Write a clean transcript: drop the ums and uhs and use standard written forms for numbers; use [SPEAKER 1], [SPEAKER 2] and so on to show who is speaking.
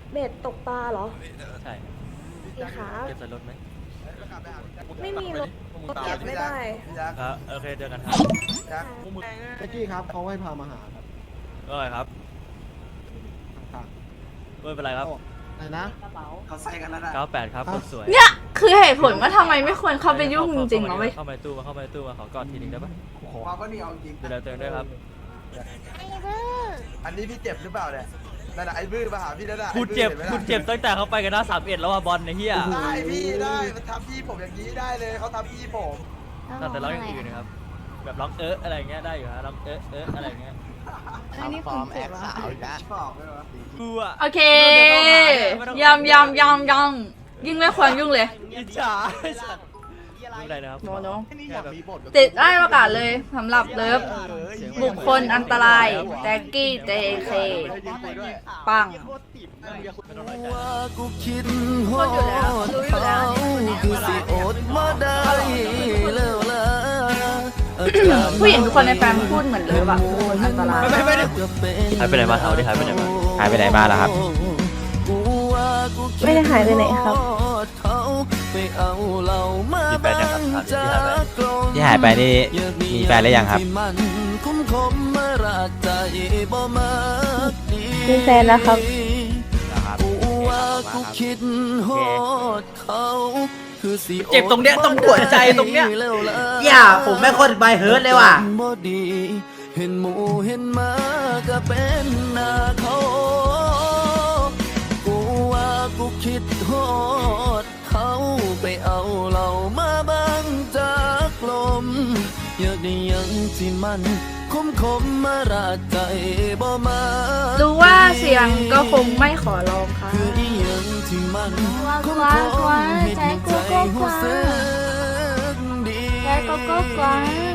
[SPEAKER 1] เบ็ดตกปลาเหรอ
[SPEAKER 2] ใช่
[SPEAKER 1] พี่ครับ
[SPEAKER 2] เก็บใส่รถไหม
[SPEAKER 1] ไม่มีรถเก็บไม่ได้
[SPEAKER 2] ครับโอเคเจอกันครับ
[SPEAKER 3] เจ๊กี้ครับเขาให้พามาหาครับ
[SPEAKER 2] ก็ไงครับ
[SPEAKER 3] ต่าง
[SPEAKER 2] ไม่เป็นไรครับ
[SPEAKER 3] ๆอะไรนะ
[SPEAKER 4] เขาใส่กันแล้วนะ
[SPEAKER 2] 98ครับคนสวย
[SPEAKER 5] เนี่ยคือเหตุผลว่าทำไมไม่ควรเข้าไปยุ่งจริงๆนะเว้ย
[SPEAKER 2] เข้าไปตู้มาขอกอดทีนึงได้ปะ
[SPEAKER 4] ความก็นี่เอาจริง
[SPEAKER 2] ดูแลตัวเองด้วยครับ
[SPEAKER 4] อันนี้พี่เจ็บหรือเปล่าเนี่ยนั่นน่ะไอ้บื้อมาหาพี่นั่นน่ะ
[SPEAKER 2] คุณเจ็บตั้งแต่เขาไปกันหน้า31แล้วว่าบอลในเฮีย
[SPEAKER 4] ได้พี่ได้มันทำพี่ผมอย่างนี้ได้เลยเขาทำพี่ผม
[SPEAKER 2] แต่ร้องอย่างอื่นนะครับ แบบร้องอะไรเงี้ยได้อยู่ฮะร้องอะไรเงี้ย
[SPEAKER 6] อันนี้คุณเจ็บวะ
[SPEAKER 4] ชอบเลยวะ
[SPEAKER 2] กูอะ
[SPEAKER 5] โอเคยำยิ่งไม่ควรยุ่งเลย
[SPEAKER 2] อิจฉาไม่เป็นไรนะครับ
[SPEAKER 5] โน
[SPEAKER 2] แค่แบบ
[SPEAKER 5] ติดได้ประกาศเลยสำหรับเลิฟบุคคลอันตรายแจ็กกี้เจเคปัง
[SPEAKER 2] ไม่ต้องน้อยใจ
[SPEAKER 7] กูคิด
[SPEAKER 5] พูดอยู่แล้วรู้อยู่แล้ว
[SPEAKER 7] คือสิอดมาได้แล้วล่ะ
[SPEAKER 5] ผู้หญิงทุกคนในแฟมพูดเหมือนเลิฟอะบุคคลอันตราย
[SPEAKER 2] หายไปไหนมาเขาดิหายไปไหนมา
[SPEAKER 8] หายไปไหนมาล่ะครับ
[SPEAKER 1] ไม่ได้หายไปไหนครับ
[SPEAKER 2] มีแฟนยังครับถามดิที่หายไป
[SPEAKER 8] ที่หายไปนี่มีแฟนหรือยังครับ
[SPEAKER 1] มีแฟนแล้วครับ
[SPEAKER 7] เจ็บตรงเนี้ยตรงหัวใจตรงเนี้ย
[SPEAKER 8] อย่าผมไม่คนใบเฮิร์ตเลยว่ะ
[SPEAKER 7] เห็นหมูเห็นหมาก็เป็นหน้าเขากูว่ากูคิดฮอดเขาไปเอาเหล่ามาบังจากลมอยากได้ยังที่มันคมมาราดใจบ่มา
[SPEAKER 5] รู้ว่าเสียงก็คงไม่ขอร้องค่ะ
[SPEAKER 7] คืออีหยังที่มันคม
[SPEAKER 5] ใจ
[SPEAKER 7] เห็น
[SPEAKER 5] กู
[SPEAKER 7] ใจ
[SPEAKER 5] ก็
[SPEAKER 7] หัว
[SPEAKER 5] กว้า
[SPEAKER 7] สึกดี
[SPEAKER 5] ใจก็กว้าง